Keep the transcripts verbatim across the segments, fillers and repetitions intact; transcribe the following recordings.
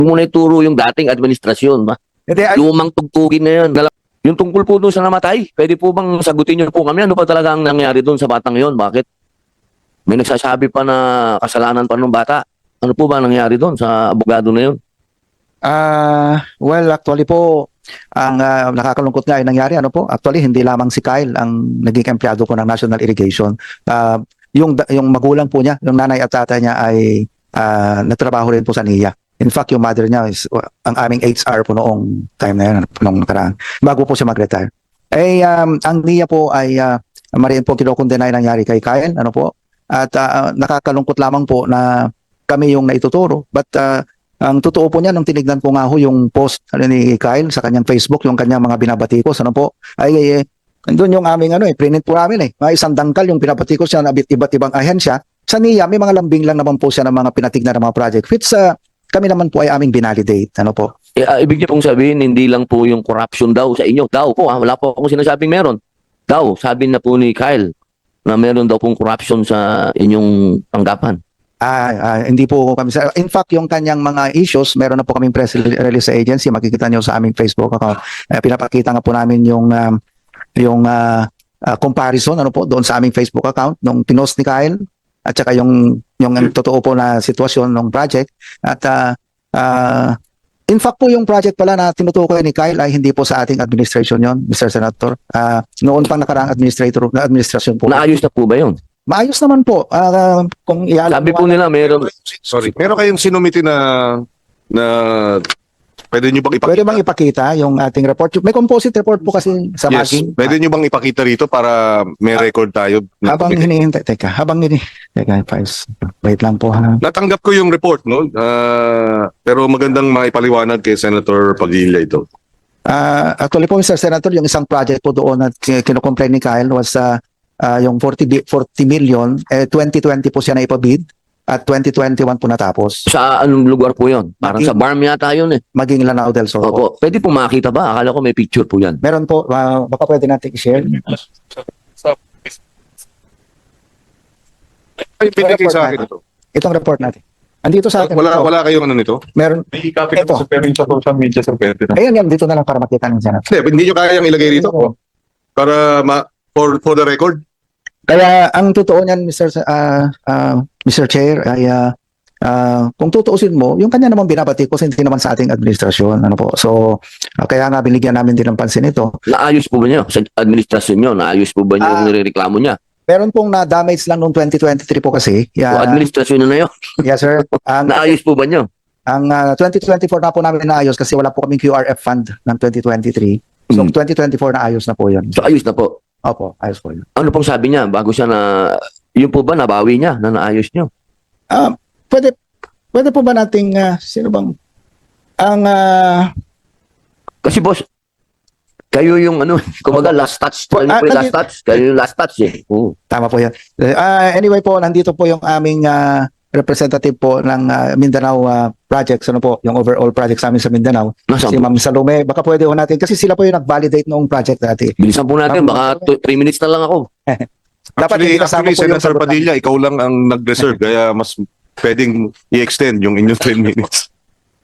muna ituro yung dating administrasyon ba? Hindi, ay- Lumang tugtugin na yun. Dala- Yung tungkol po doon sa namatay, pwede po bang sagutin niyo po kami? Ano pa talaga ang nangyari doon sa batang yon? Bakit? May nagsasabi pa na kasalanan pa ng bata. Ano po ba nangyari doon sa abogado na yun? Ah, well, actually po, ang ah, nakakalungkot nga ay nangyari, ano po, actually, hindi lamang si Kyle ang naging empleyado ko ng National Irrigation. Ah, yung, da- yung magulang po niya, yung nanay at tatay niya ay ah, nagtrabaho rin po sa N I A. In fact, yung mother niya is uh, ang aming H R po noong time na yun, noong nakaraan, bago po siya mag-retire. Eh, um, ang N I A po ay uh, mariin po kinokondena yung nangyari kay Kyle, ano po, at ah, nakakalungkot lamang po na kami yung naituturo. But uh, ang totoo po niya, nung tinignan ko nga ho yung post ano, ni Kyle sa kanyang Facebook, yung kanyang mga binabatikos, ano po, ay, ay, ay doon yung aming ano eh, printed po namin eh. Mga isang dangkal yung pinabatikos siya na iba't ibang ahensya. Sa N I A, may mga lambing lang naman po siya ng mga pinatignan ng mga project. Which uh, kami naman po ay aming binalidate. Ano po? Eh, ah, ibig niyo pong sabihin, hindi lang po yung corruption daw sa inyo. Daw po, ha? Wala po akong sinasabing meron. Daw, sabi na po ni Kyle na meron daw pong corruption sa inyong tanggapan. Ah, ah, hindi po kami sa in fact yung kanyang mga issues meron na po kaming press release sa agency, makikita niyo sa aming Facebook account. Eh, pinapakita nga po namin yung um, yung ah, ah, comparison ano po doon sa aming Facebook account nung pinost ni Kyle at saka yung yung ang totoo po na sitwasyon ng project at ah, ah, in fact po yung project pala na tinutukoy ni Kyle ay hindi po sa ating administration yon, Mister Senator. Ah, noon pang nakaraang administrator na administrasyon po. Naayos na po ba yun? Maayos naman po. Ah, kung ialam Sabi po nila, meron. Sorry. Meron kayong sinumiti na na pwede nyo bang ipakita? Pwede bang ipakita yung ating report? May composite report po kasi sa Yes. maging. Pwede nyo bang ipakita rito para may record tayo? na- Habang hinihintay, teka, habang ini, teka, Pais, wait lang po ha. Natanggap ko yung report, no? Ah, pero magandang maipaliwanag kay Senator Padilla ito. Ah, actually po, Mister Senator, yung isang project po doon na kin- kinocomplain ni Kyle was ah, ah, yung forty, bi- forty million, eh, twenty twenty po siya na ipabid at twenty twenty-one po natapos. Sa anong lugar po yun? Parang Maging- sa farm yata yun eh. Maging Lanao del Sur po. Opo. Pwede po makita ba? Akala ko may picture po yan. Meron po, ah, baka pwede natin i-share. Ay, pinigay sa akin ito. Itong report natin. Andito sa akin. Wala, Ito. wala kayong ano nito? Meron. May copy Ito. ko sa pero yung sa social media sa pwede na. Ayan yan, dito na lang para makita ng Senator. Hindi, hindi nyo kayang ilagay rito? Para ma for, for the record? Kaya ang totoo niyan, Mister Sa- ah, ah, Mister Chair, ay ah, ah, kung tutuusin mo, yung kanya naman binabati ko hindi naman sa ating administrasyon. Ano po? So, ah, kaya nga binigyan namin din ng pansin ito. Naayos po ba niyo? Sa administrasyon niyo, naayos po ba niyo Ah. yung nirereklamo niya? Meron pong na-damage lang noong twenty twenty-three po kasi. O Yeah, administrasyon na na yun? yes, sir. Ang, Naayos po ba niyo? ang ah, twenty twenty-four na po namin naayos kasi wala po kaming Q R F fund ng twenty twenty-three. So, Hmm. twenty twenty-four na ayos na po yun. So ayos na po. Opo, ayos po yun. Ano pong sabi niya bago siya na, yun po ba nabawi niya na naayos niyo? Ah, pwede, pwede po ba nating, ah, sino bang, ang, ah, Kasi boss, kayo yung ano, kumbaga last touch. Kayo Ah, po yung last nandito- touch. Kayo yung last touch eh. Oo. tama po yan. Ah, anyway po, nandito po yung aming ah, representative po ng ah, Mindanao ah, projects, ano po, yung overall projects namin sa Mindanao. Nasaan Si po? Ma'am Salome, baka pwede ho natin, kasi sila po yung nag-validate noong project dati. Bilisan po natin, baka three minutes na lang ako. Dapat Actually, hindi kasama actually po yung Senator sagot Padilla, ikaw lang ang nag-reserve. Kaya mas pwedeng i-extend yung inyong ten minutes.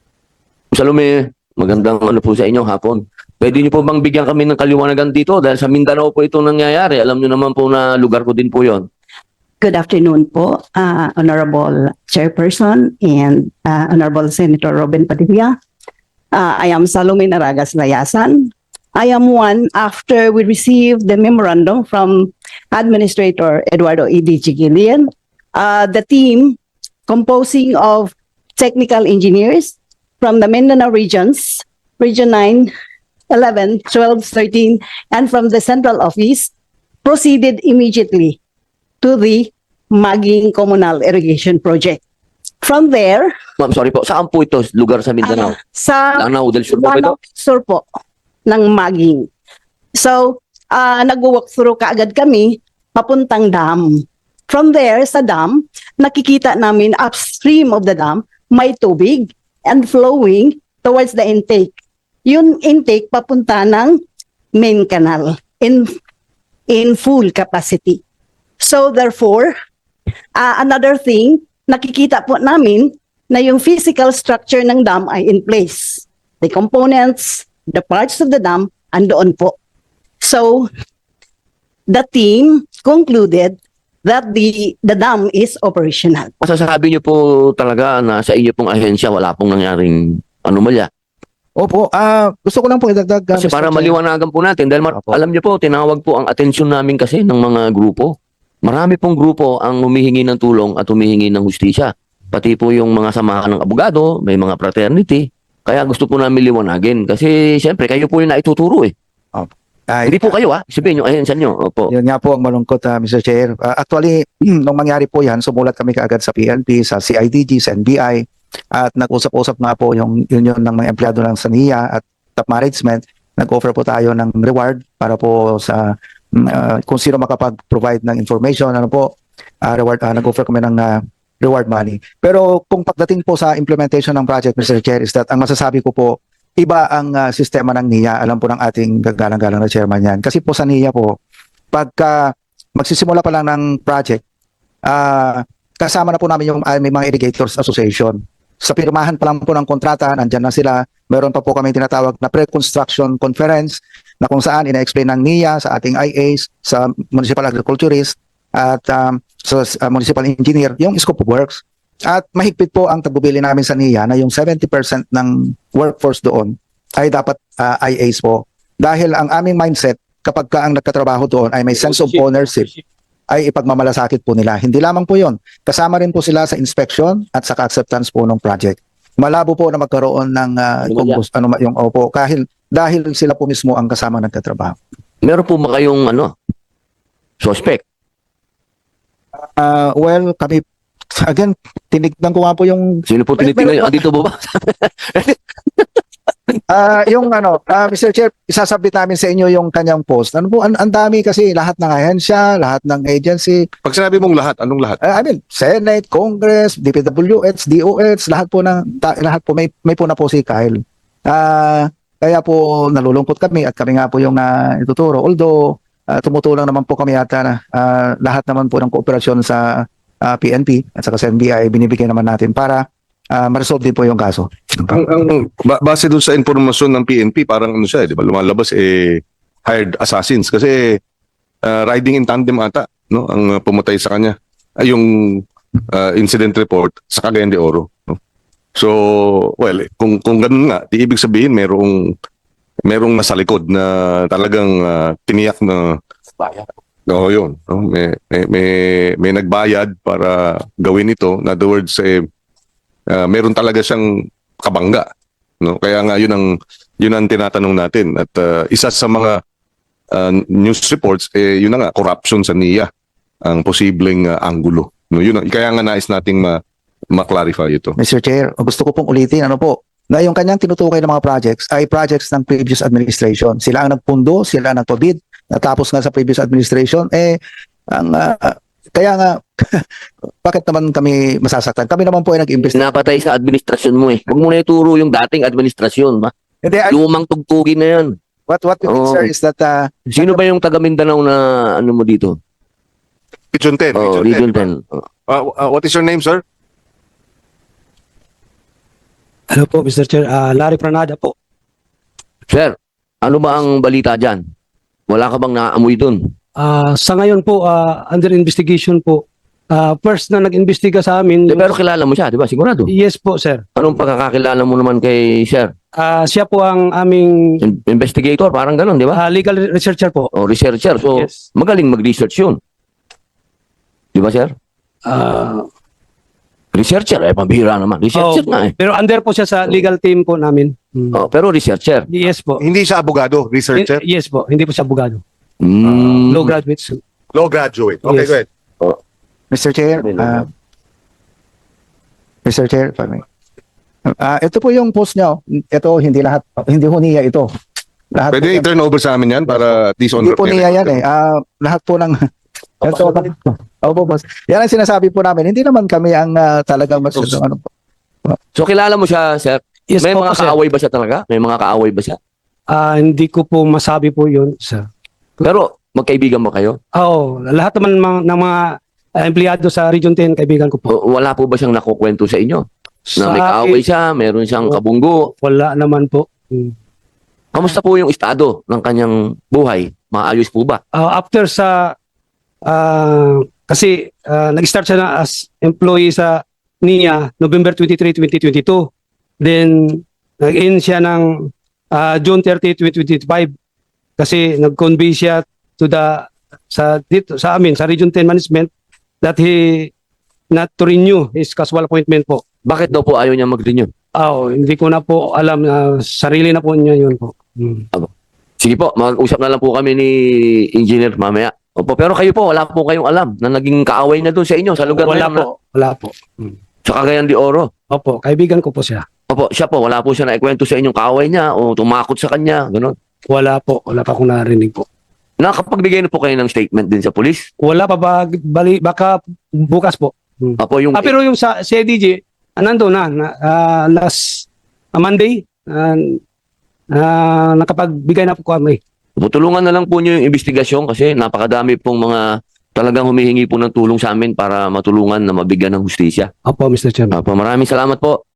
Salome, magandang ano po sa inyo hapon. Pwede niyo po bang bigyan kami ng kaliwanagan dito dahil sa Mindanao po ito nangyayari. Alam niyo naman po na lugar ko din po yon. Good afternoon po, uh, Honorable Chairperson and uh, Honorable Senator Robin Padilla. Uh, I am Salome Naragas Layasan. I am one after we received the memorandum from Administrator Eduardo E. D. Gillian. Uh, the team composing of technical engineers from the Mindanao regions, Region nine, eleven, twelve, thirteen, and from the central office proceeded immediately to the Maging Communal Irrigation Project. From there, Ma'am, sorry po. Saan po ito? Lugar sa Mindanao? ah, sa Lanao del Sur po ba ito? Lanao Sur po ng Maging. So, uh, nag-walk through kaagad kami papuntang dam. From there, sa dam, nakikita namin upstream of the dam, may tubig and flowing towards the intake. Yung intake papunta ng main canal in in full capacity. So therefore, uh, another thing, nakikita po namin na yung physical structure ng dam ay in place. The components, the parts of the dam, andoon po. So, the team concluded that the the dam is operational. Masasabi niyo po talaga na sa inyo pong ahensya wala pong nangyaring anomalya. Opo, ah gusto ko lang po idagdag. ah, Kasi Mister para Chair. maliwanagan po natin, dahil mar- Opo. alam niyo po, tinawag po ang atensyon namin kasi ng mga grupo. Marami pong grupo ang humihingi ng tulong at humihingi ng hustisya. Pati po yung mga samahan ng abogado, may mga fraternity. Kaya gusto po namin liwanagin. Kasi siyempre, kayo po yung naituturo eh. Ah, Hindi po kayo ah. Sabihin yung ahensya nyo. Opo. Yun nga po ang malungkot, ah, Mister Chair. Ah, actually, nung mangyari po yan, sumulat kami kaagad sa P N P, sa C I D G, sa N B I, at nag-usap-usap nga po yung union ng mga empleyado ng Sania at top management. Nag-offer po tayo ng reward para po sa mm, ah, kung sino makapag-provide ng information, ano po, ah, reward, ah, nag-offer kami ng ah, reward money. Pero kung pagdating po sa implementation ng project, Mister Chair, is that ang masasabi ko po, iba ang ah, sistema ng N I A. Alam po ng ating gagalang-galang na chairman yan. Kasi po sa N I A po, pagka magsisimula pa lang ng project, ah, kasama na po namin yung ah, may mga irrigators association. Sa pirmahan pa lang po ng kontrata, nandyan na sila. Meron pa po kami tinatawag na pre-construction conference na kung saan ina-explain ng N I A sa ating I As, sa municipal agriculturist at um, sa sa municipal engineer, yung scope of works. At mahigpit po ang tagbubili namin sa N I A na yung seventy percent ng workforce doon ay dapat ah, I As po. Dahil ang aming mindset, kapag ka ang nagkatrabaho doon ay may sense of ownership, ay ipagmamalasakit po nila. Hindi lamang po yon. Kasama rin po sila sa inspection at sa acceptance po ng project. Malabo po na magkaroon ng uh, kung, gus- ano, ma- yung opo, kahil, dahil sila po mismo ang kasama nagkatrabaho. Meron po ba kayong ano, suspect? Uh, well, kami, again, tinignan ko nga po yung Sino po Mer- tinitingnan? meron po. Andito ba ba? Ah, yung ano, ah, Mister Chair, isasabit namin sa inyo yung kanyang post. Ano po, ang, ang dami kasi lahat ng ahensya, lahat ng agency, Pag sinabi mong lahat, anong lahat? ah, I mean, Senate, Congress, D P W H, D O H, lahat po ng ta- lahat po may may po na po si Kyle. Ah, kaya po nalulungkot kami at kami nga po yung na ituturo. Although ah, tumutulong naman po kami ata na ah, lahat naman po ng kooperasyon sa ah, P N P at saka sa N B I binibigyan naman natin para ah, ma-resolve din po yung kaso. Ang, ang ba- base dun sa informasyon ng P N P, parang ano siya, eh, di ba? Lumalabas eh hired assassins kasi uh, riding in tandem ata, no? Ang uh, pumatay sa kanya ay yung uh, incident report sa Cagayan de Oro, no? So, well, eh, kung kung ganun nga, di ibig sabihin merong merong nasa likod na talagang uh, tiniyak na Oo, yun. No? May, may, may, may nagbayad para gawin ito. In other words, eh, uh, meron talaga siyang kabangga. No? Kaya nga yun ang, yun ang tinatanong natin. At uh, isa sa mga uh, news reports, eh, yun na nga, corruption sa N I A ang posibleng uh, anggulo. No? Yun, ang- kaya nga nais nating ma, ma-clarify ito. Mister Chair, gusto ko pong ulitin, ano po, na yung kanyang tinutukoy ng mga projects ay projects ng previous administration. Sila ang nagpundo, sila ang nagpabid, natapos nga sa previous administration, eh, ang, ah, kaya nga, bakit naman kami masasaktan? Kami naman po ay nag-invest. Napatay sa administrasyon mo eh. Huwag mo na ituro yung dating administrasyon. Ba? Hindi, I- Lumang tugtugin na yan. what, what we mean, Oo. sir, is that, ah, Sino ba yung taga Mindanao na ano mo dito? Region ten. Oh, Region ten. Oh. Uh, uh, what is your name, sir? Hello po, Mister Chair. Ah, Larry Pranada po. Sir, ano ba ang balita dyan? Wala ka bang naamoy dun? Ah, sa ngayon po, ah, under investigation po. Ah, first na nag-imbestiga sa amin. Eh, pero kilala mo siya, di ba? Sigurado. Yes po, sir. Anong pagkakakilala mo naman kay Sir? Ah, siya po ang aming In- investigator, parang ganun, di ba? ah, legal researcher po. O researcher. So, Yes. magaling mag-research yun. Di ba, Sir? Ah, Researcher, eh, pambihira naman. Researcher oh, nga eh. pero under po siya sa legal team po namin. Hmm. Oh, pero researcher. Yes po. Hindi siya abogado, researcher, Y- yes po. Hindi po siya abogado. Mm. Law graduates. law graduate. Okay, Yes. go ahead. Mister Chair, ah, Mister Chair, if I may. Ah, ito po yung post niya. oh. Ito, hindi lahat, hindi ho niya ito. Lahat Pwede po, i-turn over sa amin yan para at least on hindi po record. niya yan eh. Ah, lahat po ng ito, Opo, boss. Yan ang sinasabi po namin. Hindi naman kami ang ah, talagang mas ano po. So, kilala mo siya, Sir? Yes May po, mga sir. kaaway ba siya talaga? May mga kaaway ba siya? Ah, hindi ko po masabi po yun, sir. Pero, magkaibigan mo kayo? Oo, lahat naman mga, ng mga ah, empleyado sa Region ten, kaibigan ko po. O, wala po ba siyang nakukwento sa inyo? Na may Sa kaaway akin, siya, meron siyang kabunggo. wala naman po. Hmm. Kamusta po yung estado ng kanyang buhay? Maayos po ba? Ah, after sa ah, kasi ah, nag-start siya na as employee sa N I A November twenty-third, twenty twenty-two. Then nag-end siya ng ah, June thirtieth, twenty twenty-five kasi nag-convey siya to the sa dito sa amin sa Region ten management that he not to renew his casual appointment po. Bakit daw po ayaw niya mag-renew? Ah, oh, hindi ko na po alam na sarili na po niya yun po. Hmm. Sige po, mag-usap na lang po kami ni Engineer mamaya. Opo, pero kayo po, wala po kayong alam na naging kaaway na doon sa inyo, sa lugar Wala na yun, po, wala po. Hmm. sa Cagayan de Oro. Opo, kaibigan ko po siya. Opo, siya po, wala po siya naikwento sa inyong kaaway niya o tumakot sa kanya, gano'n. Wala po, wala pa akong narinig po. Nakapagbigay na po kayo ng statement din sa pulis. Wala pa ba, bali, baka bukas po. Hmm. Opo, yung Ah, pero yung sa C D G, ah, nandun na, na ah, last ah, Monday, ah, ah, nakapagbigay na po kami. tutulungan na lang po niyo yung investigasyon kasi napakadami pong mga talagang humihingi po ng tulong sa amin para matulungan na mabigyan ng hustisya. Opo, Mister Chairman. Opo, maraming salamat po.